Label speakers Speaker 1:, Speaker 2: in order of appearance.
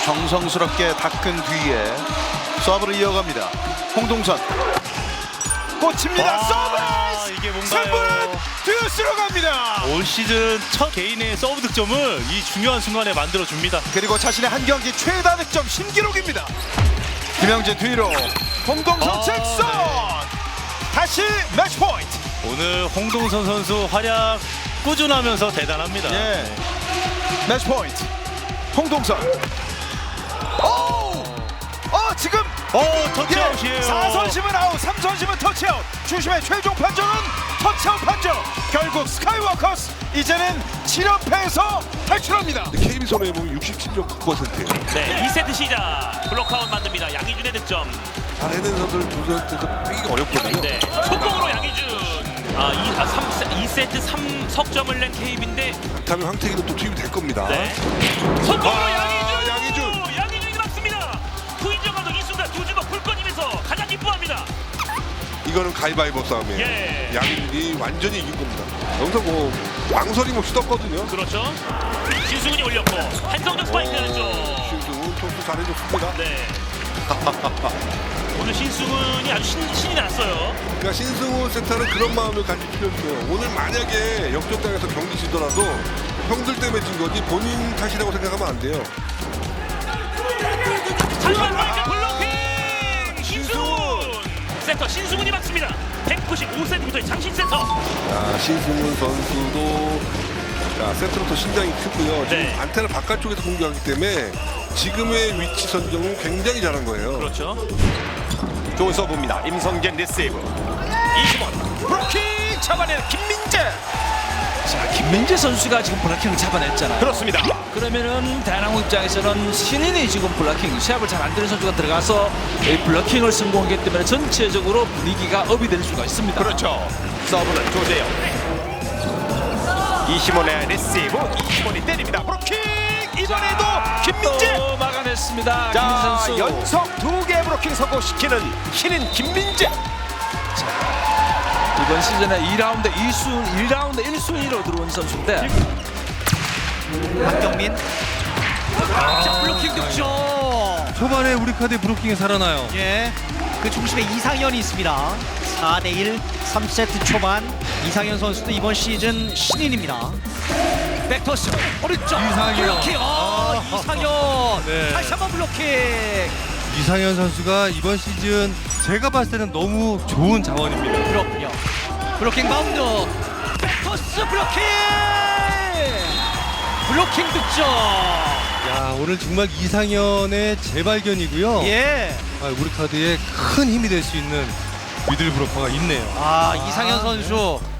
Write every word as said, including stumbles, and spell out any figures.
Speaker 1: 정성스럽게 닦은 뒤에 서브를 이어갑니다. 홍동선 꽂힙니다. 서브!
Speaker 2: 이게
Speaker 1: 승부는
Speaker 2: 뭔가요?
Speaker 1: 듀스로 갑니다.
Speaker 2: 올 시즌 첫 개인의 서브 득점을 이 중요한 순간에 만들어 줍니다.
Speaker 1: 그리고 자신의 한 경기 최다 득점 신기록입니다. 김영진 뒤로 홍동선
Speaker 2: 아,
Speaker 1: 직선
Speaker 2: 네.
Speaker 1: 다시 매치 포인트.
Speaker 2: 오늘 홍동선 선수 활약 꾸준하면서 대단합니다.
Speaker 1: 예. 매치 포인트. 홍동선. 오! 어 지금
Speaker 2: 오, 터치아웃이에요.
Speaker 1: 사 선심은 아웃, 삼 선심은 터치아웃. 주심의 최종 판정은 터치아웃 판정. 결국 스카이워커스 이제는 칠 연패에서 탈출합니다.
Speaker 3: 케이비 손해에 보면 육십칠 점 구 퍼센트예요.
Speaker 4: 네, 이 세트 시작. 블록아웃 만듭니다. 양희준의 득점.
Speaker 3: 잘해낸 선수를 두 세트에서 빼기가 어렵거든요.
Speaker 4: 네, 속공으로 양희준. 아, 이, 아 삼, 이 세트 삼 석점을 낸 케이비인데
Speaker 3: 다음에 황태기도 또 투입이 될 겁니다.
Speaker 4: 네. 속공으로
Speaker 3: 아,
Speaker 4: 양희준.
Speaker 3: 양희준.
Speaker 4: 양희준이 막습니다. 후인정 감독 이 순간 두 주먹 불 꺼지면서 가장 기뻐합니다.
Speaker 3: 이거는 가위바위보 싸움이에요.
Speaker 4: 예.
Speaker 3: 양희준이 완전히 이긴 겁니다. 여기서 뭐 망설임 없이 떴거든요.
Speaker 4: 그렇죠. 신승훈이 올렸고 한성적 스파이크는 좀.
Speaker 3: 신승훈 선수 잘해줬습니다.
Speaker 4: 네. 오늘 신승훈이 아주 신, 신이 났어요.
Speaker 3: 그러니까 신승훈 센터는 그런 마음을 가질 필요 있어요. 오늘 만약에 역전당해서 경기 지더라도 형들 때문에 진 거지 본인 탓이라고 생각하면 안 돼요.
Speaker 4: 장관 마이크 블로킹! 신승훈! 센터 신승훈이 막습니다. 백구십오 센티미터의 장신 센터.
Speaker 3: 자, 신승훈 선수도 자, 세트로부터 신장이 크고요. 지금
Speaker 4: 네.
Speaker 3: 안테나 바깥쪽에서 공격하기 때문에 지금의 위치 선정은 굉장히 잘한 거예요.
Speaker 4: 그렇죠.
Speaker 1: 좋은 서브입니다. 임성재 리시브. 이심원 브로킹 잡아내는 김민재.
Speaker 5: 자, 김민재 선수가 지금 블락킹을 잡아냈잖아요.
Speaker 1: 그렇습니다.
Speaker 5: 그러면은 대한항공 입장에서는 신인이 지금 블락킹 시합을 잘 안 되는 선수가 들어가서 이 블락킹을 성공하기 때문에 전체적으로 분위기가 업이 될 수가 있습니다.
Speaker 1: 그렇죠. 서브는 조재영. 이심원의 리시브. 이심원이 때립니다. 브로킹 이번에도 김민재.
Speaker 5: 또 막아냈습니다.
Speaker 1: 자,
Speaker 5: 김민재 선수.
Speaker 1: 연속 두 개 브로킹 성공시키는 신인 김민재.
Speaker 5: 이번 시즌에 이 라운드 이 순, 일 라운드 일 순위로 들어온 선수인데
Speaker 6: 박경민. 자, 블로킹 득점.
Speaker 7: 초반에 우리 카드의 브로킹이 살아나요.
Speaker 6: 예. 그 중심에 이상현이 있습니다. 사 대 일 삼 세트 초반 이상현 선수도 이번 시즌 신인입니다. 백토스 오른쪽
Speaker 7: 이상현.
Speaker 6: 블로킹. 아, 이상현.
Speaker 7: 네.
Speaker 6: 다시 한번 블로킹.
Speaker 7: 이상현 선수가 이번 시즌 제가 봤을 때는 너무 좋은 자원입니다.
Speaker 6: 그렇군요. 블로킹 바운드. 백토스 블로킹. 블로킹 득점.
Speaker 7: 야, 오늘 정말 이상현의 재발견이고요.
Speaker 6: 예.
Speaker 7: 아, 우리 카드에 큰 힘이 될 수 있는 미들 브로커가 있네요.
Speaker 6: 아, 이상현 선수